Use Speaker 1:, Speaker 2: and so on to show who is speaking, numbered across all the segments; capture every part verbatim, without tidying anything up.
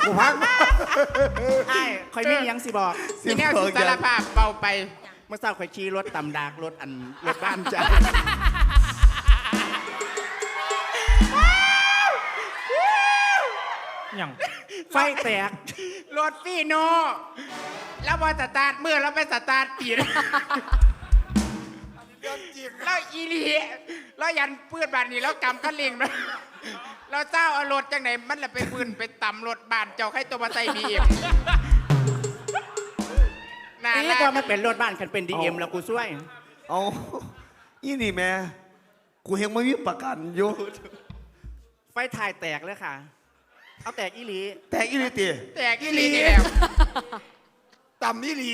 Speaker 1: กูพัก
Speaker 2: ไอ้คอยมีหยังสิบอก
Speaker 3: ที่แนวสิสารภาพเบาไป
Speaker 2: เมื่อเช้าคอยขี่รถตำดากรถอันรถบ้านจ้า
Speaker 4: อย่าง
Speaker 2: ไฟแตก
Speaker 3: รถฟีโนแล้วพอสตาร์ทเมื่อเราไปสตาร์ทปีนแล้วอีหลีแล้วยันปืนบานนี้แล้วกำคันเร่งนะเราเจ้าเอารถจังไหนมันละไปปืนไปต่ำรถบานเจ้าให้ตัวมาใส่บีเอ็มน่า
Speaker 2: นี่
Speaker 3: รั
Speaker 2: ก็
Speaker 3: ก
Speaker 2: มาเป็นรถบ้านคันเป็นดีเอ็มแล้วกูช่วย
Speaker 1: เอาอีนี่แม่กูเฮงไม่มีประกันอยู่
Speaker 2: ไฟถ่ายแตกเลยค่ะ เอาแตกอีหลี
Speaker 1: แต่อีนี่ตี
Speaker 3: แตกอีหลีนี่แล้ว
Speaker 1: ต่ำอีหลี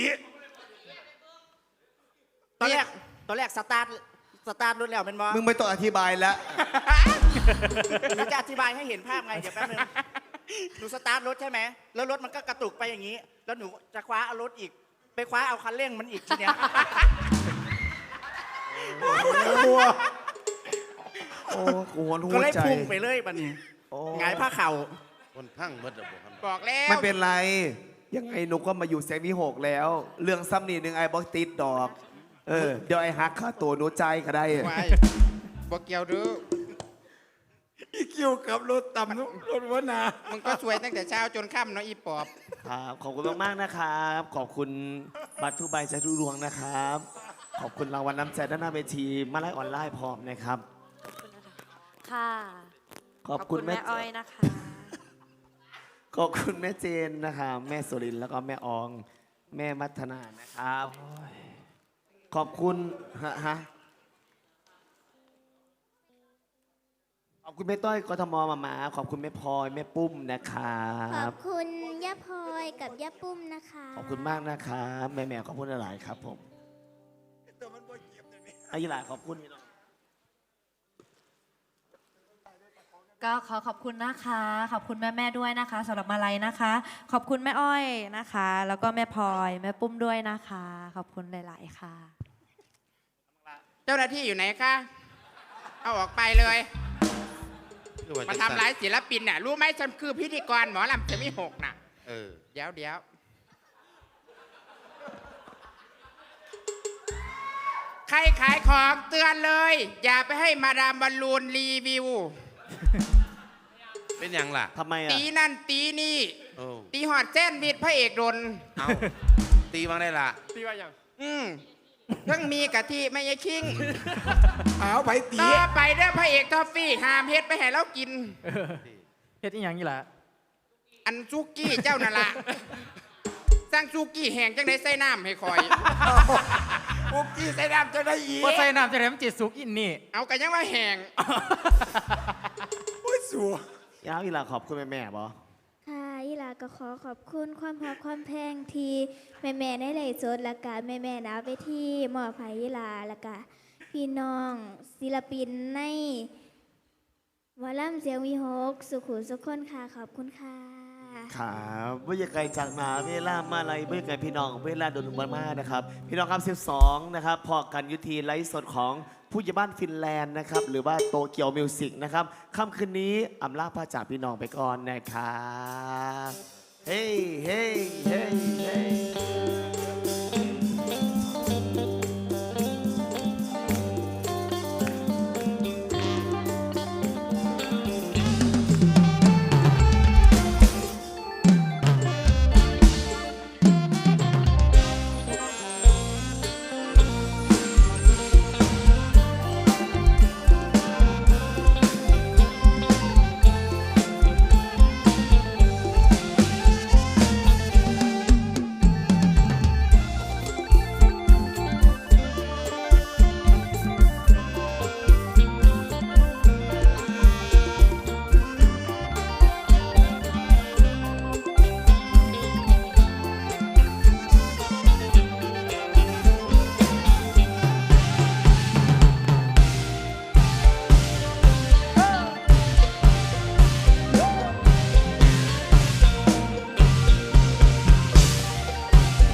Speaker 2: ตอนแรกตอนแรกสตาร์ทสตาร์ทรถแล้วเป็นบอ
Speaker 1: มึงไม่ต้องอธิบายแล้ว
Speaker 2: หนูจะอธิบายให้เห็นภาพไงเดี๋ยวแป๊บนึงหนูสตาร์ทรถใช่ไหมแล้วรถมันก็กระตุกไปอย่างนี้ แล้วหนูจะคว้าเอารถอีก ไปคว้าเอาคันเร่งมันอีกทีเนี้ย
Speaker 1: โอ้กูหวนหั
Speaker 2: ก็
Speaker 1: ว
Speaker 2: เลย
Speaker 1: ใจ
Speaker 2: พุ่งไปเลยบัดนี้
Speaker 1: โอ้
Speaker 2: หงายผ้าเข่า
Speaker 5: คนพังเบิดระบบครับ
Speaker 3: บอกแล้ว
Speaker 1: ไม่เป็นไร ยังไงหนูก็มาอยู่แสงมีหกแล้ว เรื่องซ้ำนี่หนึ่งไอ้บอกติดดอก เออ เดี๋ยวไอ้ฮักค่าตัวหนูใจก็ได้
Speaker 3: ไว้บอกเกี่ยวดู
Speaker 1: อีคิวกับรถต่ำรถวนา
Speaker 3: มึงก็สวยตั้งแต่เช้าจนค่ำเนาะอีปอบ
Speaker 1: ครับขอบคุณมากๆนะครับ ขอบคุณบัตรทุกใบใจทุกดวงนะครับ ขอบคุณรางวัลน้ำใจด้านหน้าเวทีมาไล่ออนไลน์พร้อมนะครับ
Speaker 6: ค่ะ
Speaker 1: ขอบคุณแม่
Speaker 6: แม่อ้อยนะคะ
Speaker 1: ขอบคุณแม่เจนนะคะแม่สุรินทร์แล้วก็แม่ออง แม่มัทนานะครับ ขอบคุณฮะฮะขอบคุณแม่ต้อยกทมมามาขอบคุณแม่พลอยแม่ปุ้มนะครั
Speaker 7: ขอ
Speaker 1: บบ
Speaker 7: คุณย่าพลอยกับย่าปุ้มนะคะ
Speaker 1: ขอบคุณมากนะครับแม่แม่ขอบคุณหลายๆครับผมไอ้ยี่หลายขอบคุณนี่เนาะ
Speaker 6: ก็ขอขอบคุณนะคะ ขอบคุณแม่แม่ๆด้วยนะคะสำหรับมาลัยนะคะ ขอบคุณแม่อ้อยนะคะ แล้วก็แม่พลอยแม่ปุ้มด้วยนะคะ ขอบคุณหลาย ๆ ค่ะ
Speaker 3: เจ้าหน้าที่อยู่ไหนคะ เอาออกไปเลย มาทำร้ายศิลปินน่ะ รู้ไหมฉันคือพิธีกรหมอลำจะมีหกน่ะ
Speaker 5: เออ
Speaker 3: เดี๋ยวเดี๋ยวใครขายของเตือนเลย อย่าไปให้มาดามบอลลูนรีวิว
Speaker 5: เป็นยังล่ะ
Speaker 1: ทำไมอ่ะ
Speaker 3: ตีนั่นตีนี่
Speaker 5: โอ้
Speaker 3: ตีหอดเส้นวิดพระเอกโดน
Speaker 5: เอาตีบ้างได้ล่ะ
Speaker 3: ตีว่าอย่างอืมเพิ่งมีกะทิไม่ใช่คิง
Speaker 1: เอาไปตี
Speaker 3: ต่อไปเด้อพระเอกทอฟฟี่หามเฮ็ดไปให้เรากิน
Speaker 4: เฮ็ดอีหยังนี่ล่ะ
Speaker 3: อันซุกี้เจ้านั่นละสร้างซุกี้แห้งจังได้ใส่น้ำให้คอย
Speaker 1: ปุ๊กกี้ใส่น้ำจะได้อี
Speaker 4: ว่าใส่น้ำจะได้มันจิตสุกอินนี่
Speaker 3: เอากันยังว่าแห้ง
Speaker 1: โอ้ยสัวยาวอีหลาขอบคุณแม่แม่บอ
Speaker 7: ค่ะยี่หลาก็ขอขอบคุณความรักความแพงที่แม่แม่ๆได้เลยสดและกาแม่แม่ๆนะไปที่มอบให้ยี่หลาและกาพี่น้องศิลปินในหมอลำเสียงวีหกสุขุมสุขคนค่ะขอบคุณค่ะ
Speaker 1: ครับวิทยาไกลจากมหาเวลามาลัยวิทยาไกลพี่น้องเวลาโดนมามานะครับ พี่น้องครับสิบสองนะครับพอกันยุทีไลฟ์สดของผู้ใหญ่บ้านฟินแลนด์นะครับหรือว่าโตเกียวมิวสิกนะครับค่ำคืนนี้อำลาพาจากพี่น้องไปก่อนนะครับ